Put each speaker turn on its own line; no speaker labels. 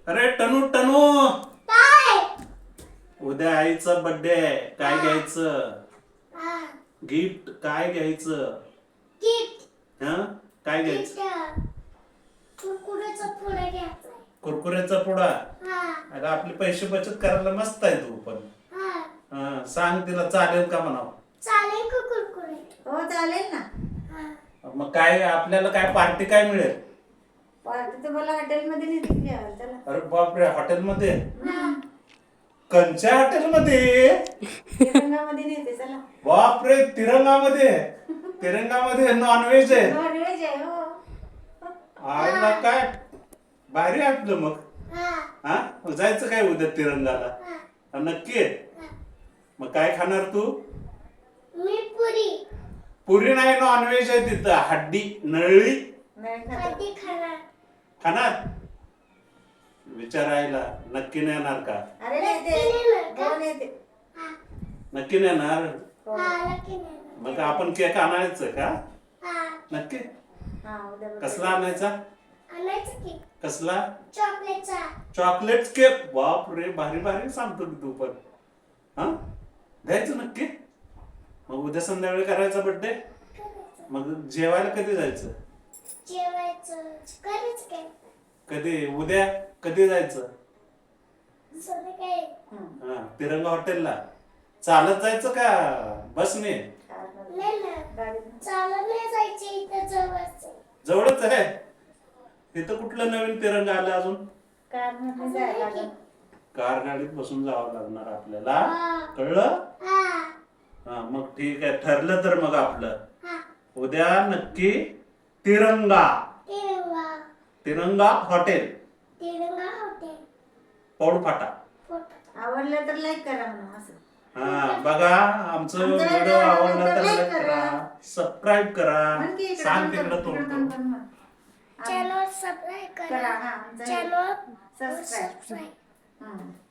अरे टनू टनू,
काय?
उद्या आईचा बर्थडे आहे. काय घ्यायचं
हा,
गिफ्ट? काय घ्यायचं?
गिफ्ट.
हा, काय घ्यायचं?
गिफ्ट. कुरकुऱ्याचा पुडा घ्यायचा.
कुरकुऱ्याचा पुडा?
हा,
अरे आपले पैसे बचत करायला मस्त आहे तू पण.
हा.
हा, सांग तिला चालेल का म्हणावं.
चालेल का कुरकुरे?
हो चालेल ना.
हा.
मग काय आपल्याला काय पार्टी काय मिळेल?
पार्टी तुम्हाला हॉटेलमध्ये नेते की जेवायला चला.
अरे बापरे, हॉटेलमध्ये?
हा.
कंच्या हॉटेलमध्ये?
तिरंगामध्ये नेते चला.
बापरे, तिरंगामध्ये? तिरंगामध्ये नॉनव्हेज आहे?
नॉनव्हेज आहे हो.
आईला काय भारी आहे आपलं मग.
हा.
हा, मग जायचं काय उद्या तिरंगाला?
हा.
नक्की आहे?
हा.
मग काय खाणार तू?
मी पुरी.
पुरी नाही, नॉनव्हेज आहे तिथं. हड्डी नळली
नाही खात.
कधी खाणार?
खाणार? विचारायला नक्की नेणार का?
अरे
नक्की
नेते
नेणार का?
हो नेते.
हा.
नक्की नेणार?
हो.
हा, नक्की नेणार.
मग आपण केक आणायचं का?
हा.
नक्की?
हा उद्या
कसला आणायचा?
आणायचं की?
कसला?
चॉकलेटचा.
Chocolate cake? बाप रे, भारी भारी सांगतो की तू पण. हा, द्यायचं नक्की? मग उद्या संध्याकाळी करायचा बर्थडे?
करायचं.
मग जेवायला कधी जायचं?
जेवायचं. करायचं काय?
कधी? उद्या कधी जायचं?
संध्याकाळी.
हा, तिरंगा हॉटेलला चालत जायचं का बसने?
नाही ना. चालत नाही जायचे, इथं जवळच आहे.
जवळच आहे. तिथं कुठलं नवीन तिरंगा आलं अजून?
कारमध्ये जायला लागेल.
कार गाडीत बसून जावं लागणार आपल्याला.
हा.
कळलं?
हा.
हा, मग ठीक आहे, ठरलं तर मग आपलं
हा.
उद्या नक्की तिरंगा.
तिरंगा.
तिरंगा हॉटेल,
तिरंगा हॉटेल.
पौड फाटा.
फोटो.
आवडलं तर लाईक करा म्हणून असं.
हा, बघा आमचं
आमचा
व्हिडिओ
व्हिडिओ
आवडला तर
like
लाईक
करा.
करा, सबस्क्राईब करा,
म्हण की इकडं
सांग
पण
तिकडं
म्हण,
तोंड
इकडं
करून.
पण म्हण.
चॅनल सबस्क्राईब
करा,
करा.
हा, आमचं
चॅनल
सबस्क्राईब.
सबस्क्राईब.
हं.